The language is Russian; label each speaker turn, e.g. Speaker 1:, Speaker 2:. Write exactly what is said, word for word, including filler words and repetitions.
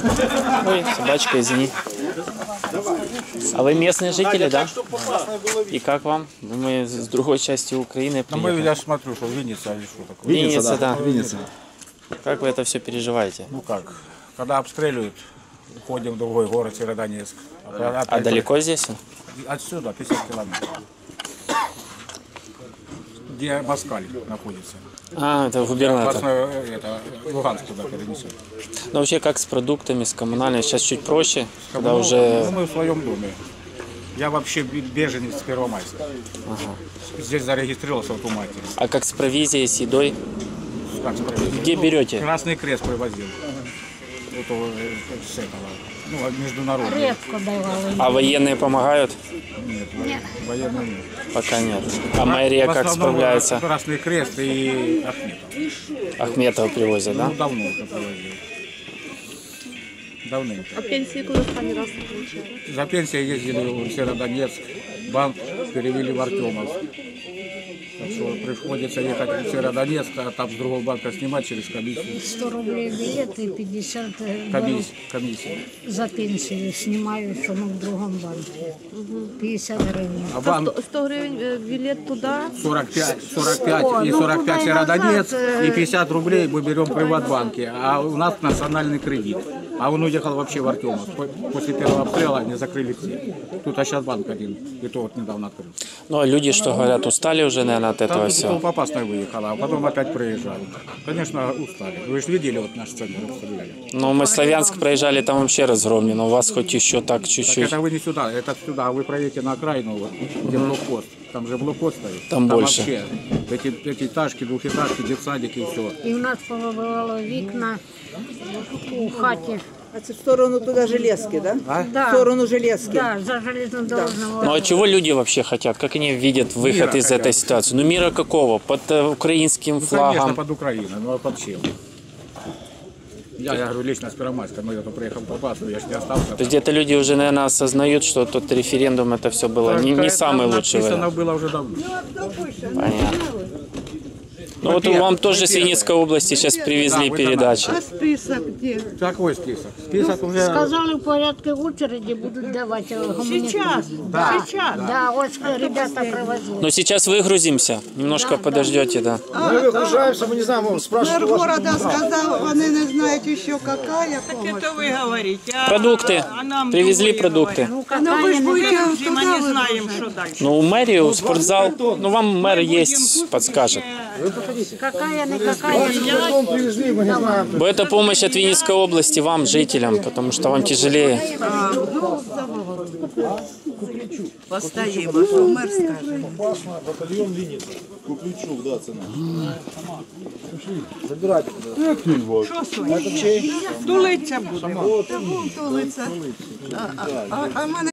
Speaker 1: Ой, собачка, извини. А вы местные жители, да? И как вам? Мы с другой части Украины приехали.
Speaker 2: Ну, мы, я смотрю, что Винница или что такое.
Speaker 1: Винница, да.
Speaker 3: Винница.
Speaker 1: Как вы это все переживаете?
Speaker 2: Ну как, когда обстреливают, уходим в другой город, Северодонецк.
Speaker 1: А, а далеко здесь?
Speaker 2: Отсюда пятьдесят километров. Где Москаль находится.
Speaker 1: А, это губернатор.
Speaker 2: Опасно, это, Луганск туда перенесет.
Speaker 1: Но вообще как с продуктами, с коммунальными? Сейчас чуть проще, когда
Speaker 2: Ну,
Speaker 1: уже...
Speaker 2: ну, мы в своем доме. Я вообще беженец с Первомайска.
Speaker 1: Ага.
Speaker 2: Здесь зарегистрировался в Тумате.
Speaker 1: А как с провизией, с едой?
Speaker 2: Как справедливо?
Speaker 1: Где берете?
Speaker 2: Красный Крест привозил. Вот его, э, с этого. Ну, международный.
Speaker 4: Редко давали.
Speaker 1: А военные помогают?
Speaker 2: Нет, военный, военный нет.
Speaker 1: Пока нет. А мэрия
Speaker 2: В
Speaker 1: как
Speaker 2: основном
Speaker 1: справляется?
Speaker 2: Красный Крест и Ахметов.
Speaker 1: Ахметова привозят, да?
Speaker 2: Ну, давно уже привозил. Давненько.
Speaker 5: А пенсии куда они раз получали?
Speaker 2: За пенсией ездили в Северодонецк, банк перевели в Артемовск. Так что приходится ехать в Северодонецк, а там с другого банка снимать через комиссию.
Speaker 4: сто рублей билет и пятьдесят
Speaker 2: Комисс, комиссия.
Speaker 4: за пенсию снимаю, что мы в другом банке. пятьдесят гривен.
Speaker 2: А банк
Speaker 5: сто гривен э, билет туда.
Speaker 2: сорок пять, сорок пять
Speaker 4: О,
Speaker 2: и
Speaker 4: ну,
Speaker 2: сорок пять
Speaker 4: туда и
Speaker 2: Северодонецк,
Speaker 4: назад, э,
Speaker 2: и пятьдесят рублей мы берем в Приватбанке, а у нас национальный кредит. А он уехал вообще в Артемовск. После первого обстрела они закрыли все. Тут а сейчас банк один, и то вот недавно открыл.
Speaker 1: Ну, а люди, что говорят, устали уже, наверное, от этого
Speaker 2: Там
Speaker 1: всего?
Speaker 2: по опасной выехала, а потом опять проезжали. Конечно, устали. Вы же видели вот наш центр обстреляли.
Speaker 1: Ну, мы в Славянск проезжали, там вообще разгромлено. У вас хоть еще так
Speaker 2: Так
Speaker 1: чуть-чуть.
Speaker 2: это вы не сюда, это сюда. Вы проедете на окраину, вот, где блокпост. Там же блокпост стоит.
Speaker 1: Там больше.
Speaker 2: Вообще эти пятиэтажки, двухэтажки, детсадики и все.
Speaker 4: І в нас повибивало вікна у хаті.
Speaker 6: А це в сторону туда железки, да?
Speaker 4: Да.
Speaker 6: В сторону железки.
Speaker 4: Да, за железнодорожного.
Speaker 1: Ну, а чего люди вообще хотят? Как они видят выход
Speaker 2: Мира
Speaker 1: из
Speaker 2: хотят.
Speaker 1: этой ситуации? Ну, мира какого? Под э, украинским
Speaker 2: Ну, конечно,
Speaker 1: флагом?
Speaker 2: под Украиной, ну а под чем? Я, я говорю, лично с Первомайска, но я то приехал попасться, я ж не остался.
Speaker 1: То есть где-то люди уже, наверное, осознают, что тот референдум это все было не, не самый лучший
Speaker 2: Написано
Speaker 1: вариант.
Speaker 2: было уже давно.
Speaker 1: Понятно. Ну вот вам тоже с Винницкой области сейчас привезли
Speaker 2: Да, вот
Speaker 1: передачи.
Speaker 6: А список где?
Speaker 2: Какой список? Список уже...
Speaker 4: Сказали, в порядке очереди будут давать гуманитарные.
Speaker 6: Сейчас,
Speaker 2: Да,
Speaker 6: сейчас.
Speaker 4: Да, вот ребята привозили.
Speaker 1: Но сейчас выгрузимся. Немножко подождете, да.
Speaker 3: Мы выгружаемся, мы не знаем, мы спрашиваем.
Speaker 6: Мэр города сказал, вони не знають еще какая помощь.
Speaker 7: Это вы говорите. А,
Speaker 1: Продукты.
Speaker 7: а нам
Speaker 1: Привезли
Speaker 7: другое
Speaker 1: продукты.
Speaker 4: Ну,
Speaker 6: Ну вы ж
Speaker 4: какая
Speaker 6: будете
Speaker 7: говорите. Мы
Speaker 6: туда
Speaker 7: не знаем,
Speaker 6: выгружать.
Speaker 7: что дальше.
Speaker 1: Ну, в мэрию, в спортзал. Ну, вам мэр есть, подскажет.
Speaker 4: какая не какая.
Speaker 3: Потом привезли, мы не знаем.
Speaker 1: Бо это помощь от Винницкой области вам, жителям, потому что вам тяжелее.
Speaker 6: Постоїмо, що мер скаже.
Speaker 3: Батальон Винница. Куплючук, да, цена. Забирайте.
Speaker 7: Тулиться буде.
Speaker 6: Тулиться. А, а, а, а в мене